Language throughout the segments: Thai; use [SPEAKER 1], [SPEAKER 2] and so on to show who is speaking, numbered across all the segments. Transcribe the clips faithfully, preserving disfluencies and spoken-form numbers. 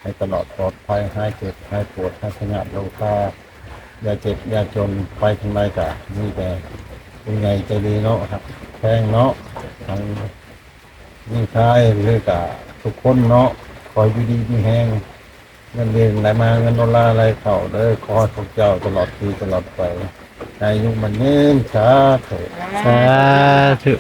[SPEAKER 1] ให้ตลอดปลอดภัยหายเจ็บหายปวดหายพยาธิโรคาอย่าเจ็บอย่าจนไปทางใดกะนี่แต่ยังไงใจดีเนาะครับแพงเนาะทางนี่ใช่หรือกะทุกคนเนาะคอยอยู่ดีมีแห้งเงินเดือนไหลมาเงินดอลลาร์อะไรเข้าเด้อขอให้พวกเจ้าตลอดปีตลอดไปอายุมันยืนสาธุ
[SPEAKER 2] สาธุ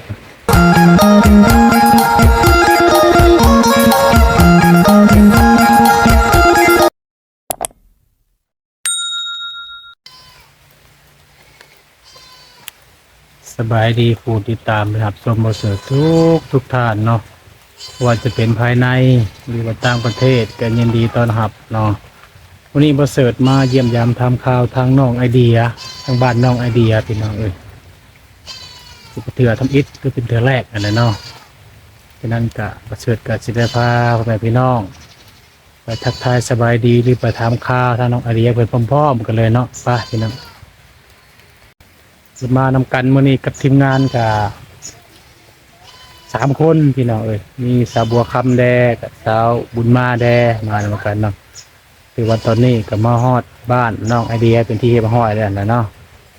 [SPEAKER 2] สบายดีผู้ติดตามนะครับชมบทเสือทุกทุกท่านเนาะว่าจะเป็นภายในหรือว่าต่างประเทศก็ยินดีต้อนรับเนาะวันนี้บทเสิร์ตมาเยี่ยมยามทำข่าวทางน้องไอเดียทางบ้านน้องไอเดียพี่น้องเอ้ยคือเถื่อทำอิฐคือเป็นเถื่อแรกอันนั้นเนาะฉะนั้นกะบทเสิร์ตกับศิลปาพ่อแม่พี่น้องไปทักทายสบายดีหรือไปทำข่าวทางน้องไอเดียเพื่อนพร้อมๆกันเลยเนาะไปพี่น้องมานำกันมื้อนี้กับทีมงานกับสามคนพี่น้องเอ้ยมีสาวบัวคำแดกับสาวบุญมาแดมานำกันเนาะคือวันตอนนี้ก็มาฮอดบ้านน้องไอเดียเป็นที่มาฮอดแล้วนะเนาะ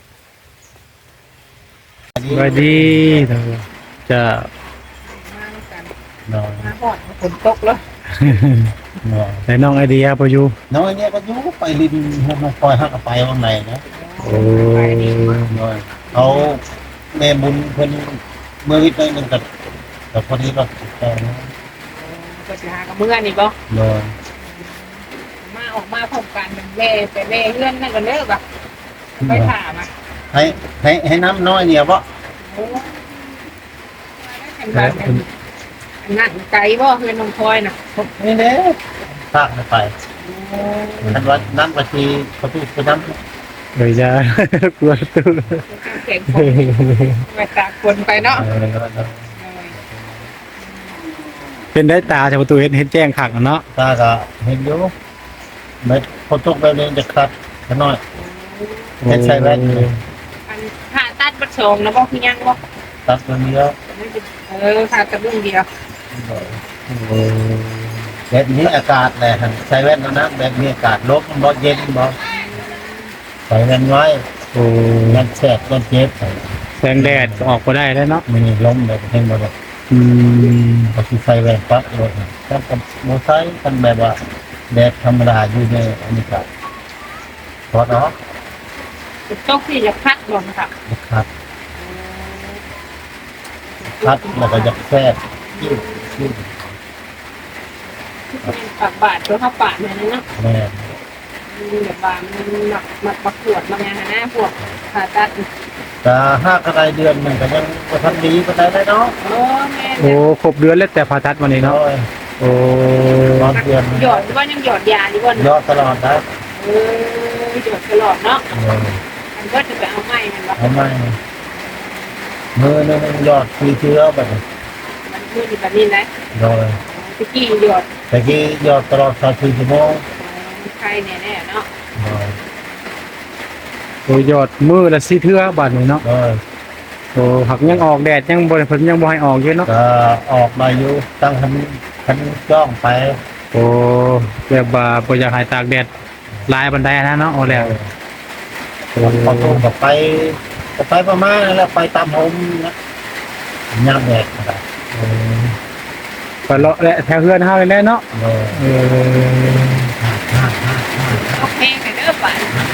[SPEAKER 2] สวัสดีจะ
[SPEAKER 3] มากัน
[SPEAKER 1] น้อย
[SPEAKER 3] มาหอดฝนตกแล้ว
[SPEAKER 1] น้อย
[SPEAKER 2] ในน้องไอเดียพออยู่
[SPEAKER 1] น้อยเนี่ยก็อยุไปลินให้มันคอยหักไปว่างในนะ
[SPEAKER 2] โอ้
[SPEAKER 1] น้อยเขาแม่บุญเพิ่นเมื่อวิทย์ได้หนึ่งกับกับพอดีเราแต่นะ
[SPEAKER 3] ก็จะหากับเมื่อนี่บ่
[SPEAKER 1] น้อย
[SPEAKER 3] มาออกมาพร้อมกันเป็นเล่ไปเล่เลื่อนนั่นก็เลิกอ่ะไปถามอ่ะ
[SPEAKER 1] ให้ให้ให้น้ำน้อยเนี่ยเพราะ
[SPEAKER 3] โอ้มาได้แข่งกันอันนั้นไกลบ่เพื่อนน้องพลอยน่ะ
[SPEAKER 1] นี่เด้ภาคไป
[SPEAKER 3] โอ้
[SPEAKER 1] ท่านว่าน้ำกะทิประตูไปน้ำ
[SPEAKER 2] เดี๋ยวจะกลัวตู้
[SPEAKER 3] แข่งคนไปตากคนไปเนาะ
[SPEAKER 1] เออ
[SPEAKER 2] เป็นได้ตาจากประตูเห็นเห็นแจ้งขังเนาะ
[SPEAKER 1] ตาก็เห็นอยู่เม็ดพอตกไปเลยจะคลัดขน้อยเห็นใส่แว่นเลย
[SPEAKER 3] อันผ่าตัดบัดสองนะบ่คือยังบ่
[SPEAKER 1] ตัดตัวนี้แล้ว
[SPEAKER 3] เออผ่าตัดเรื่องเดียว
[SPEAKER 1] แบบนี้อากาศแหละใส่แว่นแล้วนะแบบนี้อากาศลบมันบ่เย็นบ่ใส่แว่นไว้
[SPEAKER 2] โอ้
[SPEAKER 1] แว่นแสบแว่นเจ็บ
[SPEAKER 2] แสงแดดก็ออกมาได้แล้วเนาะ
[SPEAKER 1] มันนี่ล้มแบบเห็นบ่ได้
[SPEAKER 2] อืม
[SPEAKER 1] ก็สิใส่แว่นปั๊บเลยถ้ากับโมไซค์กันแบบว่าแดดธรรมดาอยู่ในอันนี้ก็พอเนาะ
[SPEAKER 3] ตกที่จะพัดบ่นะครับ
[SPEAKER 1] ครับคัดแล้วก็จะแทรกยิ้วยิ้ว
[SPEAKER 3] ปากบาดตัวเข้าปากเนี่ยนะ
[SPEAKER 1] แม่
[SPEAKER 3] มีแบบว่ามันหมักหมักประกวดบางอย่างนะพวกผ่าตัด
[SPEAKER 1] จะห้ากระไรเดือนมันก็ยังบ่ทันดีปานใดเลยเนาะ
[SPEAKER 3] โอ้แม่
[SPEAKER 2] โอ้ครบเดือนแล้วแต่ผ่าตัดวันนี้เนาะ
[SPEAKER 1] โอ้ย
[SPEAKER 2] โอ้
[SPEAKER 1] ตอนเดือน
[SPEAKER 3] หยอดว่ายังหยอดยาดีกว่าย
[SPEAKER 1] อดตลอดนะ
[SPEAKER 3] เออหยอดตลอดเนาะ
[SPEAKER 1] เออ
[SPEAKER 3] มันก็จะไปเอาไม้มันว่า
[SPEAKER 1] ทำไมมือนึงยอดคือเชื้อแบบนี้
[SPEAKER 3] มันคือแบบนี้นะ
[SPEAKER 1] โดย
[SPEAKER 3] ตะกี้หยอด
[SPEAKER 1] แต่กี้ยอดตลอดสามสิบชั่วโมง
[SPEAKER 3] ใครแน่ๆเนาะ
[SPEAKER 1] โดย
[SPEAKER 2] โอ้ยอดมือละสี่เทื่อบาดนี้เนาะ
[SPEAKER 1] โดย
[SPEAKER 2] โอ้หักยังออกแดดยังบ่ได้เพิ่นยังบ่ให้ออกเยอะเนาะ
[SPEAKER 1] ก็ออกมาอยู่ตั้งคันคันจ้องไป
[SPEAKER 2] โอ้แบบว่าบ่อยากให้ตากแดดหลายบันไดนะเนาะเอาแล้วโอ้
[SPEAKER 1] พอตูก็ไปก็ไปประมาณนั้นแหล้วไปตามผมนะย่างแดดนะครับ
[SPEAKER 2] ไปเลาะและแถวเฮือนเฮานี่แหละเนาะ
[SPEAKER 1] โดย
[SPEAKER 2] เออ
[SPEAKER 3] โอเคไปเด้อไป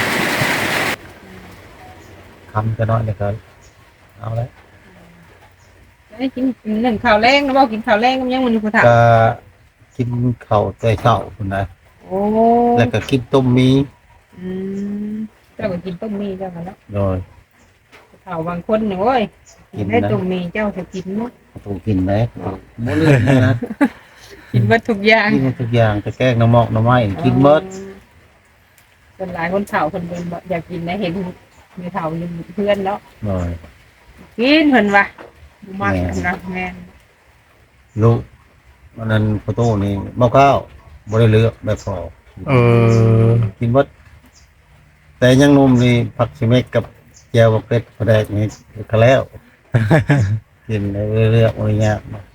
[SPEAKER 1] ทำจะน้อยเลยก็เอาเลย
[SPEAKER 3] ได้กินหนึ่งข้าวแรงนะบอกกินข้าวแรงก็ยังมันอยู่ผู้ถาม
[SPEAKER 1] ก็กินข้าวใจเช้าคุณนะ
[SPEAKER 3] โอ้
[SPEAKER 1] แล้วก็กินต้มมี
[SPEAKER 3] อืมเจ้าก็กินต้มมีเจ้ากันเนาะ
[SPEAKER 1] โดย
[SPEAKER 3] เขาบางคนเนี่ยโอ้ย
[SPEAKER 1] กินนะ
[SPEAKER 3] ได้ต้มมีเจ้าจะกินหมด
[SPEAKER 1] ต้องกินไหมบ่เลือกนะ
[SPEAKER 3] กินหมดทุกอย่าง
[SPEAKER 1] กินทุกอย่างจะแกล้งน้ำหมอกน้ำไม้กินเบิด
[SPEAKER 3] คนหลายคนเฒ่าคนเป็นบ่อยากกินนะเห็นมีเฒ่าอยู่เพื่อนแล้ว
[SPEAKER 1] หน่อย
[SPEAKER 3] กินเพิ่นว่าบ่มัก
[SPEAKER 1] แม่
[SPEAKER 3] นะแม่น
[SPEAKER 1] ลูกวันนั้นประตูนี่เมาเก้าบ่ได้เลือกแบบพอ
[SPEAKER 2] เออ
[SPEAKER 1] กินเบิดแต่ยังหนุ่มนี่ผักชิเมกกับแจวกับเป็ดกระแดกนี่ก็แล้ว กินได้เรื่อยๆโอ้ยยาก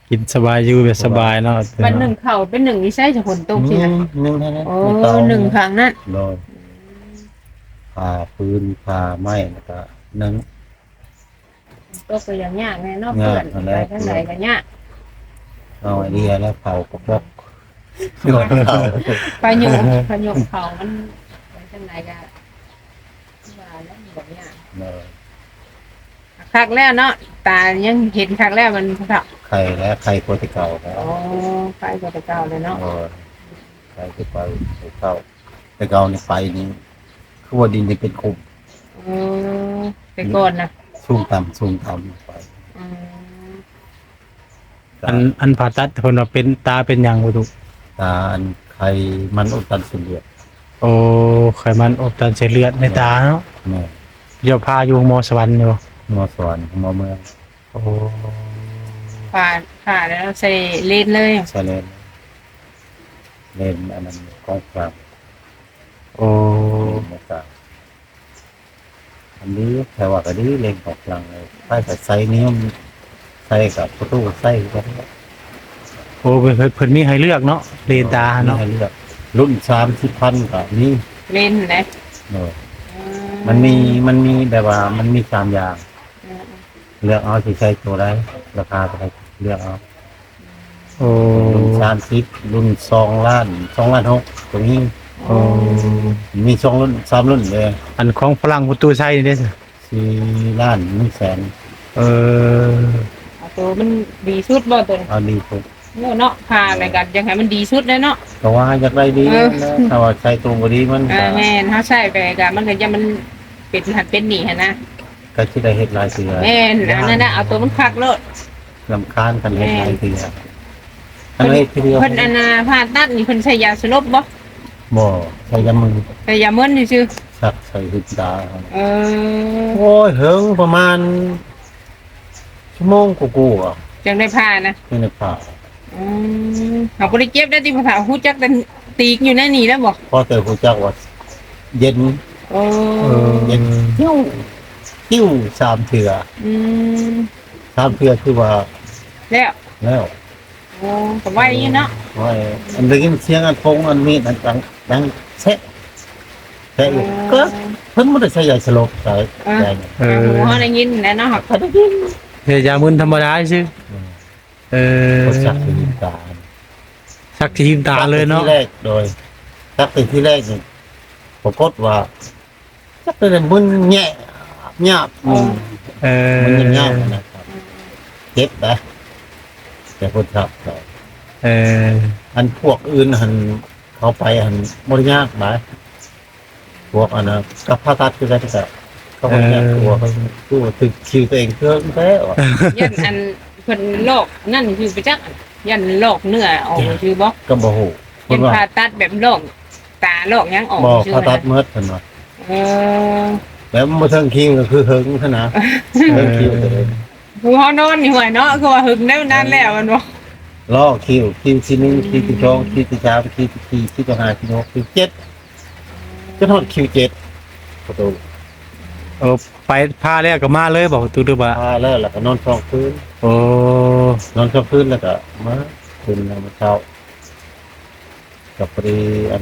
[SPEAKER 2] กินสบายอยู่แบบสบายเนาะ
[SPEAKER 3] วันหนึ่งเข่าเป็นหนึ่งนี่ใช่จะฝนตกใช่ไหม
[SPEAKER 1] หนึ่งเท่านั้น
[SPEAKER 3] โอ้
[SPEAKER 1] ไม่ต้อง
[SPEAKER 3] หนึ่งครั้งนั้น
[SPEAKER 1] โดยผ่าปืนผ่าไม้แล้วก็นึ่ง
[SPEAKER 3] ตกไปอย่างยากแน่เนอกเพื่อน
[SPEAKER 1] ยากนั่นแห
[SPEAKER 3] ไป
[SPEAKER 1] ละ
[SPEAKER 3] ทางไหนกันยาก
[SPEAKER 1] เอาไอเดียแล้วเผากระบอกโยนเผา
[SPEAKER 3] ไปโยกไปโยกเขามันไปทางไหนกันว่าแล้วมันแบบยาก
[SPEAKER 1] เลย
[SPEAKER 3] คักแล้วเนาะตายังเห็นคักแล้วมันคัก
[SPEAKER 1] ไข่และไข่โปรตีเก่าแล้ว
[SPEAKER 3] โอ้ไปกว่าแต่เก่าเลยเนาะ
[SPEAKER 1] เออไข่ที่ไปไข่เก่าแต่เก่าในไฟนี้คือว่าดินจะเป็นคุม
[SPEAKER 3] เออไปก่อนนะ
[SPEAKER 1] สูงต่ำสูงต่ำไป
[SPEAKER 3] อืม
[SPEAKER 2] อันอันผ่าตัดเพิ่นว่าเป็นตาเป็นหยังบ่ตุ
[SPEAKER 1] ตาอันไข่มันอุดตันสุดเลือด
[SPEAKER 2] โอ้ไขมันอบตันเส้นเลือดในตาเนาะ
[SPEAKER 1] เนี่ย
[SPEAKER 2] เดี๋ยวพาอยู่หมอสวรรค์อยู่
[SPEAKER 1] มอสวนมอเมือง
[SPEAKER 2] โอ้
[SPEAKER 3] ผ่าผ่าแล้วใส่เลนเลย
[SPEAKER 1] ใช่เลนเลนอันนั้นกองกลาง
[SPEAKER 2] โอ้
[SPEAKER 1] เลนกลางอันนี้แต่ว่าก็ดีเลนกองกลางเลยใต้แต่ไซนี้มันใส่กับประตูใส่ก็ได้
[SPEAKER 2] โอ้เพิ่นเพิ่นเพิ่นมีให้เลือกเนาะเลนตาเนาะ
[SPEAKER 1] ให้เลือกรุ่นสามสิบพันกับนี่
[SPEAKER 3] เลนนะ
[SPEAKER 1] เนอะมันมีมันมีแบบว่ามันมีสามอย่าง
[SPEAKER 3] อืม
[SPEAKER 1] เลือกเอาที่ใช้ตัวได้ราคาเท่าไหร่เลือกเอา
[SPEAKER 2] โอ้
[SPEAKER 1] รุ่นสามสิบรุ่นสองล้านสองล้านหกตรงนี้
[SPEAKER 2] โอ้
[SPEAKER 1] มีสองรุ่นสามรุ่นเลย
[SPEAKER 2] อันของฝรั่งประตูใช้นี่เด้อ
[SPEAKER 1] สี่ล้านหนึ่งแสน
[SPEAKER 2] เออ
[SPEAKER 3] เอาตัวมันดีสุดบ่ตัวนี้
[SPEAKER 1] เอาดีสุด
[SPEAKER 3] เนาะผ่าอะไรกันยังไงมันดีสุดเลยเนาะ
[SPEAKER 1] แต่ว่าอยากได้ดี
[SPEAKER 3] เออ
[SPEAKER 1] นะถ้าว่าใช้ตัวบดีมัน
[SPEAKER 3] เอ
[SPEAKER 1] ก็
[SPEAKER 3] อแม่นเขาใช่ไปกันมันก็จะมันเป็นหัดเป็นหนีหันนะ
[SPEAKER 1] ก็ที่ได้เฮ็ดหลายเสือ
[SPEAKER 3] แม่นอันนั้นนะเอาตัวมันคักโลด
[SPEAKER 1] ลำคาญกันเฮ็ดหลายเสืออันนี้ทีเดียว
[SPEAKER 3] เพิ่นอันน่ะผ่าตัดนี่เพิ่นใช้ยาสลบบ่
[SPEAKER 1] บ่ใช้ยามือ
[SPEAKER 3] ใช้ยาเมื่นซื่อ
[SPEAKER 1] สักใส่หุ่นตา
[SPEAKER 3] ๆเออ
[SPEAKER 1] โอ้ยเหิงประมาณชั่วโมงกูๆอ่ะ
[SPEAKER 3] จังได้ผ่านะ
[SPEAKER 1] นี่ในป่า
[SPEAKER 3] อืมเขาบ่ได้เจ็บได้ที่ภาษาฮู้จักแต่ตีกอยู่ในนี่แล้วบ่
[SPEAKER 1] พอเจอผู้จักว่าเย็น
[SPEAKER 3] โอ้
[SPEAKER 2] เออ
[SPEAKER 1] เย็นติ้วติ้วสามเถื่อ
[SPEAKER 3] อืม
[SPEAKER 1] สามเถื่อคือว่า
[SPEAKER 3] แล้ว
[SPEAKER 1] แล้ว
[SPEAKER 3] โอ้ก็ไว้อยู่เนาะ
[SPEAKER 1] ว่าอันได้ยินเสียงอันพงอันมีดอันดังดังแซะแซะอยู่ก็เพิ่นบ่ได้ใช้ยาสลบใส่ใส่
[SPEAKER 2] เออ
[SPEAKER 3] หูเฮาได้ยินแล้วเนาะ
[SPEAKER 1] เขาได้ยิน
[SPEAKER 2] เฮยามึนธรรมดาซื่อเออ
[SPEAKER 1] เขาจักที่ตา
[SPEAKER 2] สักทีมตาเลยเนาะ
[SPEAKER 1] ที่แรกโดยจักเป็นที่แรกนี่ปรากฏว่าจักเป็นมึนแง่หยาบมึน
[SPEAKER 2] เออ
[SPEAKER 1] มันยังยากนะครับเจ็บนะแต่คนขับก็
[SPEAKER 2] เออ
[SPEAKER 1] อันพวกอื่นหันเขาไปหันบริยากไหมพวกอันนั้นกับพาตัดคือกันแต่เขาบริยากตัวเขาตัวตึกคิวตัวเองเครื่องแท้ว่ะ
[SPEAKER 3] ยันอันเพิ่นโรคนั่นคือไปจักยันโรคเนื้อออกคือบ่
[SPEAKER 1] ก็บ่ฮู้ค
[SPEAKER 3] ยั
[SPEAKER 1] น
[SPEAKER 3] น
[SPEAKER 1] ว่า
[SPEAKER 3] ผ่าตัดแบบโรคตาโรคหยังออก
[SPEAKER 1] บ่
[SPEAKER 3] ชื่
[SPEAKER 1] พาตัด
[SPEAKER 3] นะ
[SPEAKER 1] เมิดเพิ่นว่า
[SPEAKER 3] เออ
[SPEAKER 1] แล้วมาเทิงคิวก็คือเฮิงเท่านะเทิงคิวตัวเอง
[SPEAKER 3] ผู้เฮานอนนี่ห่วยเนาะคือว่าหึงได้นานแล้วมันบ่
[SPEAKER 1] ล่อคิวคิวที่หนึ่งคิวที่สองคิวที่สามคิวที่สี่คิวที่ห้าคิวที่หกคิวที่เจ็ดจนฮอดคิวเจ็ดประตู
[SPEAKER 2] เออไปพาแล้วก็มาเลยบอกตูดูบ่า
[SPEAKER 1] พาแล้วแล้วก็นอนสองคืน
[SPEAKER 2] โอ้
[SPEAKER 1] นอนสองคืนแล้วก็มาคืนแล้วมาเช้ากับพอดีอัน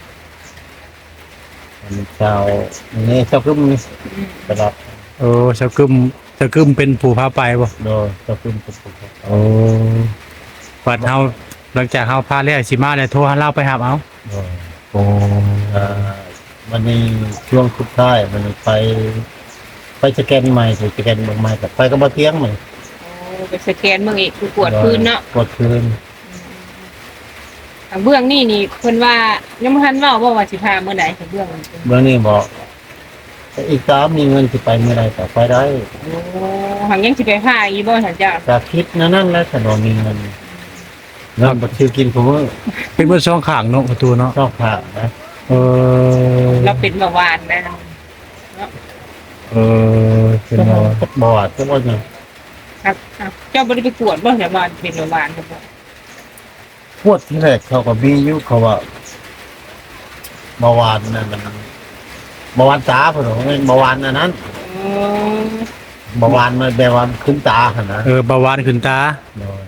[SPEAKER 1] อันเช้านี่เช้าคืนนี่กระดับ
[SPEAKER 2] โอ้สกึมสกึมเป็นผู้พาไปบ่
[SPEAKER 1] โดยเช้าคืนปุ๊บปุ๊บปุ๊บ
[SPEAKER 2] โอ้ปัดเฮาหลังจากเฮาพาแล้วสิมาแล้วโทรหาเราไปหาเอา
[SPEAKER 1] โดย
[SPEAKER 2] โอ้
[SPEAKER 1] อ่าวันนี้ช่วงสุดท้ายมันไป ไปสแกนใหม่ไปสแกนเบางใหม่กับไปก็มาเที่ยงใหม่
[SPEAKER 3] โอ้ไปสแกนเบิ่งอีกคือปวดพื้นเนาะ
[SPEAKER 1] ปวดพื้น
[SPEAKER 3] ทางเบื้องนี่นี่เพิ่นว่ายังบ่ทันเว้าบ่ว่าสิพาเมื่อใดทางเบื้องมันเป็น
[SPEAKER 1] เมื่อนี้บอกอีกสามมีเงินจะไปเมื่อไรแต่ไปได้
[SPEAKER 3] โอ้หังยังสิไปพาอีบ่ท่านเจ้า
[SPEAKER 1] จะคิดนั่นนั่นแล้วแต่เรามีเงินเงินบัตรชื่อกินผมว่า
[SPEAKER 2] เป็นเบ่ช่องข้างเนาะประตูเนาะ
[SPEAKER 1] ชอบผ่านะ
[SPEAKER 2] เออ
[SPEAKER 3] เราเป็นเบาหวานนะ
[SPEAKER 2] เออเป็นบ่
[SPEAKER 1] บอดก็ว่าไง
[SPEAKER 3] ครับอ่ะเจ้าบ่ได้ไปกวดบ่แต่ว่าเป็นเบาหวานครับบ่
[SPEAKER 1] พวดที่แรกเขาก็มีอยู่เขาว่าเบาหวานนั่นมันเบาหวานตาผมว่าเบาหวานอันนั้น
[SPEAKER 3] เออ
[SPEAKER 1] เบาหวานมันแบบว่าขึ้นตาขนาด
[SPEAKER 2] เออเบาหวานขึ้นตา
[SPEAKER 1] โดย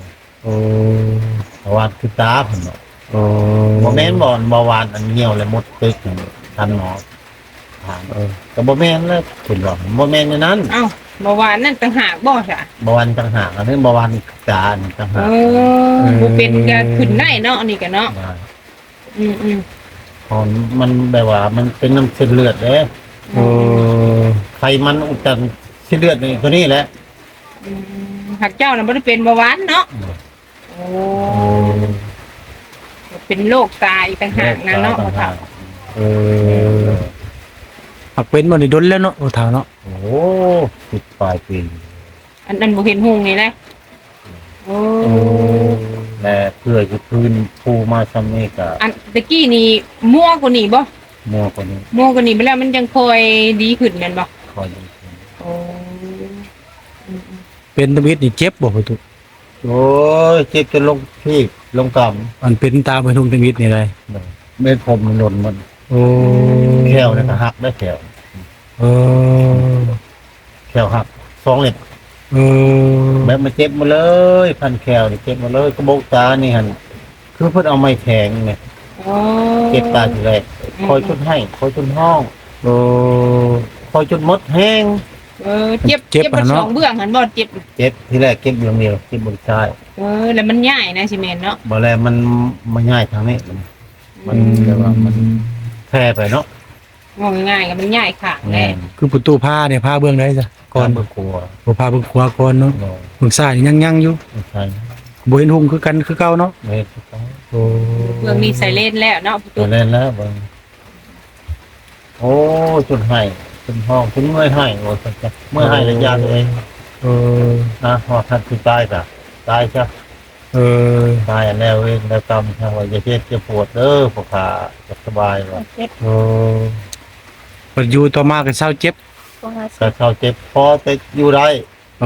[SPEAKER 2] โอ้
[SPEAKER 1] เบาหวานคือตาเพิ่นบอก
[SPEAKER 2] โอ้
[SPEAKER 1] บ่แม่นบ่อนเบาหวานอันเหี่ยวและหมดตึกนั่นทันหมอถาม
[SPEAKER 2] เออ
[SPEAKER 1] ก็บ่แม่นแล้วเพิ่นบอกบ่แม่นในนั้น
[SPEAKER 3] เอ้าเมื่อวานนั่นต่างหากบ่จ้ะ
[SPEAKER 1] เบาหวานต่างหากอันนี้เบาหวานจานต่าง
[SPEAKER 3] เอ
[SPEAKER 1] หาก
[SPEAKER 3] อบ่เป็นก็ขึ้นได้เนาะอันนี่ก็เนาะ
[SPEAKER 1] ได้
[SPEAKER 3] อืมอืม
[SPEAKER 1] ของมันแบบว่ามันเป็นน้ำเส้นเลือดเด้
[SPEAKER 2] โอ้
[SPEAKER 1] ไขมันอุดตันเส้นเลือดนี่ตัวนี้แหละ
[SPEAKER 3] อืมหักเจ้าน่ะบ่ได้เป็นเบาหวานเนาะโอ้
[SPEAKER 2] โอ้
[SPEAKER 3] เป็นโรคตายต่างหากนะเนาะพ่อเฒ่า
[SPEAKER 2] เออหักเป็นบ่ได้ดนแล้วเนาะโอ้เฒ่าเนาะ
[SPEAKER 1] โอ้สิบปลายปี
[SPEAKER 3] อันนั้นบ่เห็นหุงนี่แหละโอ้
[SPEAKER 2] โอ้
[SPEAKER 1] และเพื่อจะพื้นภูมาซ้ำนี่ก็
[SPEAKER 3] อันตะกี้นี่มั่วกว่านี้บ่
[SPEAKER 1] มัวกว่านี้
[SPEAKER 3] มั่วกว่านี้ไปแล้วมันยังค่อยดีขึ้นแม่นบ่
[SPEAKER 1] คอยอยู่
[SPEAKER 3] โอ้อืม
[SPEAKER 2] เป็นตะวิดนี่เจ็บบ่พ่อตุ
[SPEAKER 1] โอ้ยเจ็บจนลงพี่ลงก
[SPEAKER 2] อันเป็นตาไปทุ่งตะวิดนี่เลย
[SPEAKER 1] ำเม็ดผมมันหล่นมัน
[SPEAKER 2] โอ้
[SPEAKER 1] แขวเนี่ยก็หักได้แขว
[SPEAKER 2] เออ
[SPEAKER 1] แขวหักสองเล็บ
[SPEAKER 2] เออ
[SPEAKER 1] แบบมันเจ็บหมาเลยพันแขวนี่เจ็บหมาเลยกระบอกตานี่หันคือเพิ่นเอาไม้แทงเนี่ย
[SPEAKER 3] โอ้
[SPEAKER 1] เจ็บตาทีแรกคอยชุดให้คอยชุดห้อง
[SPEAKER 2] โอ้
[SPEAKER 1] คอยชุดมดแห้ง
[SPEAKER 3] เออเจ็บ
[SPEAKER 2] เจ็บ
[SPEAKER 3] เจ็บ
[SPEAKER 2] อะ
[SPEAKER 3] บน
[SPEAKER 2] เนาะ
[SPEAKER 3] สองเบื้องหันบ่เจ็บ
[SPEAKER 1] เจ็บทีแรกเจ็บเบื้องเดียวเจ็บบนซ้าย
[SPEAKER 3] เออแล้วมันใหญ่นะสิแม่นเนาะ
[SPEAKER 1] บ่แล้วมันมันง่ายทางนี้มันมันแบบว่ามันแพ้ไปเนาะ
[SPEAKER 3] งงง่ายๆก็มันใหญ่ข้างแน่
[SPEAKER 2] คือประตูผ้าเนี่ยผ้าเบื้องได้จ้ะก่
[SPEAKER 1] ก่
[SPEAKER 2] อ
[SPEAKER 1] อน นเบิ่งกลัว
[SPEAKER 2] บ่ผ้าเบื้องขวาก่อนเนาะ
[SPEAKER 1] เนาะ
[SPEAKER 2] เบื้องซ้ายนี่ยังยังอยู่
[SPEAKER 1] ไม่ใช่
[SPEAKER 2] บ่เห็นหุ่งคือกันคือเก่าเนาะ
[SPEAKER 1] ไม่ถูกต้อง
[SPEAKER 2] โอ้
[SPEAKER 3] เบื้องนี้ใส่เลนแล้วเนาะ
[SPEAKER 1] ตัวเล่นแล้วเบิ่งโอ้จุดให้จุดห้องจุดเมื่อยให้โอ้สัจเมื่อยให้ระยะเลย
[SPEAKER 2] เออ
[SPEAKER 1] นะพอท่านคือตายกะตายใช่
[SPEAKER 2] เออ
[SPEAKER 1] ตายอันแล้วเองแล้วกรรมทางว่าจะเจ็บจะปวดเด้อพวกขาจะสบายว่า
[SPEAKER 3] เจ็บ
[SPEAKER 2] โอ้เปิดอยู่ต่อมาก็เศร้าเจ็บ
[SPEAKER 3] ก็หา
[SPEAKER 1] ก็เข้าเจ็บพอแต่อยู่ได้
[SPEAKER 2] โอ้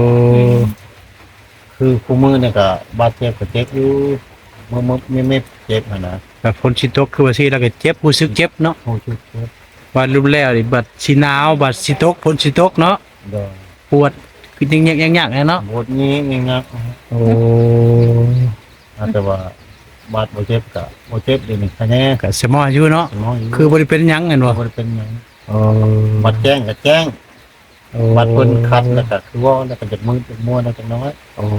[SPEAKER 1] คือคู่มือเนี่ยก็บาดเจ็บก็เจ็บอยู่มือมือไม่ไม่เจ็บหั่นนะ
[SPEAKER 2] แบบฝนสิตกคือว่าสิแล้วก็เจ็บรู้สึกเจ็บเนาะ
[SPEAKER 1] โอ้ชุดเจ็บ
[SPEAKER 2] ว่ารุนแล้วนี่บัดสิหนาวบัดสิตกฝนสิตกเนาะ
[SPEAKER 1] เด้อ
[SPEAKER 2] ปวดคือยังยังยังๆเนาะ
[SPEAKER 1] บทนี้นี่งัก
[SPEAKER 2] โอ้
[SPEAKER 1] แต่ว่าบาดบ่เจ็บก็บ่เจ็บเดี๋ยวนี้คะแนน
[SPEAKER 2] ก็สมออยู่เนาะ
[SPEAKER 1] สมองอยู่
[SPEAKER 2] คือบ่ได้เป็นหยังแม่นบ่
[SPEAKER 1] บ่ได้เป็นหยัง
[SPEAKER 2] โอ้
[SPEAKER 1] บัดแจ้งก็แจ้ง
[SPEAKER 2] โอ้
[SPEAKER 1] บัดเพิ่นคัดแล้วก็คือว่าแล้วก็จะมืดจะมัวแล้วจักหน้อย
[SPEAKER 2] โอ้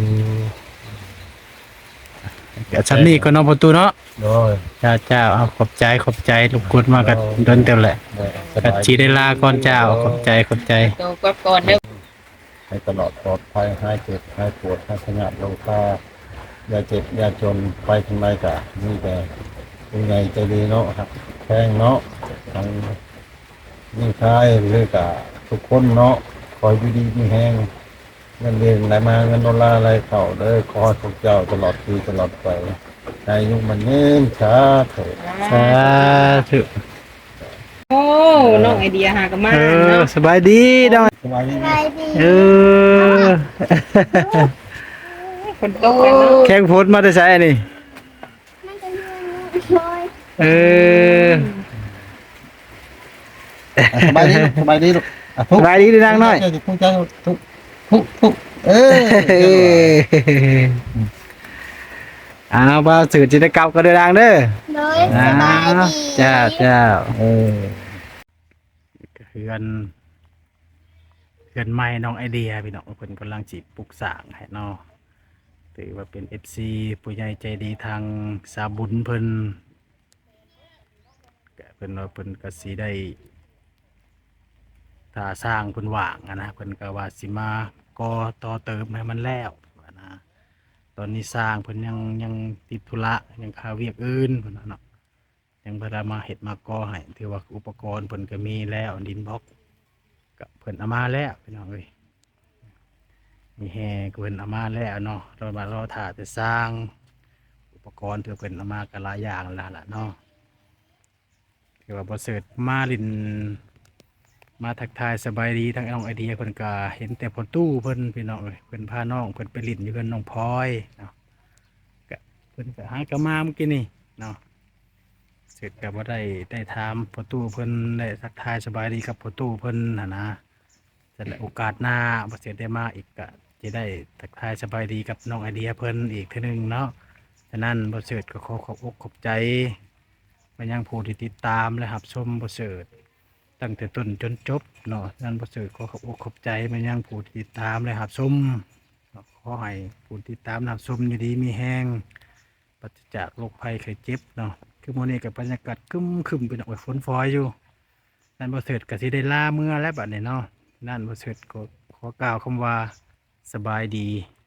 [SPEAKER 2] ก็ชั้นนี้ก็เนาะประตูเนาะ
[SPEAKER 1] โดย
[SPEAKER 2] เจ้าเจ้าเอาขอบใจขอบใจลูกกดมากันโดนเต็มแหละ
[SPEAKER 1] ได้ส
[SPEAKER 2] กั
[SPEAKER 1] บาย
[SPEAKER 2] จีได้ลาก่อนเจ้าขอบใจขอบใจ
[SPEAKER 3] โตกว่าก่อนเด้อ
[SPEAKER 1] ให้ตลอดปลอดภัยหายเจ็บหายปวดหายขยับโลคาอย่าเจ็บอย่าจนไปทางใดก็มีแต่ผู้ใหญ่ใจดีเนาะครับแพงเนาะทางนี่คายหรือก็ทุกคนเนาะคอยอยู่ดีมีแห้งเงินเดือนไหลมาเงินดอลลาร์ไหลเข้าเด้อขอให้พวกเจ้าตลอดปีตลอดไปอายุมันยืนช้าเถิด
[SPEAKER 2] สาธุ
[SPEAKER 3] โอ้น้องไอเดียหากันมา
[SPEAKER 2] เออ
[SPEAKER 3] เนาะ
[SPEAKER 2] สบายดีดอย
[SPEAKER 1] สบายดีไหม
[SPEAKER 2] เออ
[SPEAKER 3] คนตกกันเนาะ
[SPEAKER 2] แข่งผลมาได้ใช่นี่
[SPEAKER 4] มันจะเลื่อนลอย
[SPEAKER 2] เออ
[SPEAKER 1] อ่ะสบายดีลูกสบายดีลูกอ่ะทุ
[SPEAKER 2] ส
[SPEAKER 1] ก
[SPEAKER 2] บายดีเด้อนางน้อย
[SPEAKER 1] ทุกทุกทุกทุกทุกทุกเออ
[SPEAKER 2] เอออ้าวบ่าวสื่อจิตรกรรมก็เดินทางเด้อ
[SPEAKER 4] เลย
[SPEAKER 2] อ้า
[SPEAKER 4] สบายว ดี
[SPEAKER 2] เจ้าเจ้า
[SPEAKER 1] เออ
[SPEAKER 2] เฮือนเฮือนใหม่น้องไอเดียพี่น้องเพิ่นกำลังจีบปลูกสร้างให้เนาะถือว่าเป็น เอฟ ซี ผู้ใหญ่ใจดีทางสาบุญเพิ่นก็เพิ่นว่าเพิ่นก็สิได้ถ้าสร้างเพิ่นว่างอะนะเพิ่นก็ว่าสิมาก่อต่อเติมให้มันแล้วว่านะตอนนี้สร้างเพิ่นยังยังติดธุระยังคาเวียกอื่นเพิ่นว่าเนาะยังบ่ได้มาเฮ็ดมาก่อให้ถือว่าอุปกรณ์เพิ่นก็มีแล้วดินบล็อกก็เพิ่นเอามาแล้วพี่น้องเอ้ยมีแฮก็เพิ่นเอามาแล้วเนาะเรามารอถ่าแต่สร้างอุปกรณ์ที่เพิ่นเอามาก็หลายอย่างแล้วล่ะเนาะถือว่าบ่เสิร์ชมาลิน มาทักทายสบายดีทั้งน้องไอเดียเพิ่นก็เห็นแต่พอตู้เพิ่นพี่น้องเอ้ยเพิ่นพาน้องเพิ่นไปลิ้นอยู่กับน้องพลอยเนาะก็เพิ่นก็หากะมาเมื่อกี้นี่เนาะเสร็จก็บ่ได้ได้ถามพอตู้เพิ่นได้ทักทายสบายดีกับพอตู้เพิ่นหั่นนะแต่ละโอกาสหน้าบ่เสร็จได้มาอีกก็จะได้ทักทายสบายดีกับน้องไอเดียเพิ่นอีกเทีนึงเนาะฉะนั้นบ่เสิร์ตก็ขอขอบอกขอบใจมายังผู้ที่ติดตามและรับชมบ่เสิร์ตตั้งแต่ต้นจนจบเนาะฉะนั้นบ่เสิร์ตขอขอบอกขอบใจมายังผู้ที่ติดตามและรับชมขอให้ผู้ติดตามรับชมอยู่ดีมีแฮงปราศจากโรคภัยไข้เจ็บเนาะคือมื้อนี้ก็บรรยากาศครึมๆเป็นออกฝนฟอยอยู่นั่นบ่เสิร์ตก็สิได้ลาเมื่อแล้วบัดนี้เนาะนั่นบ่เสิร์ตก็ขอกล่าวคำว่าสบายดี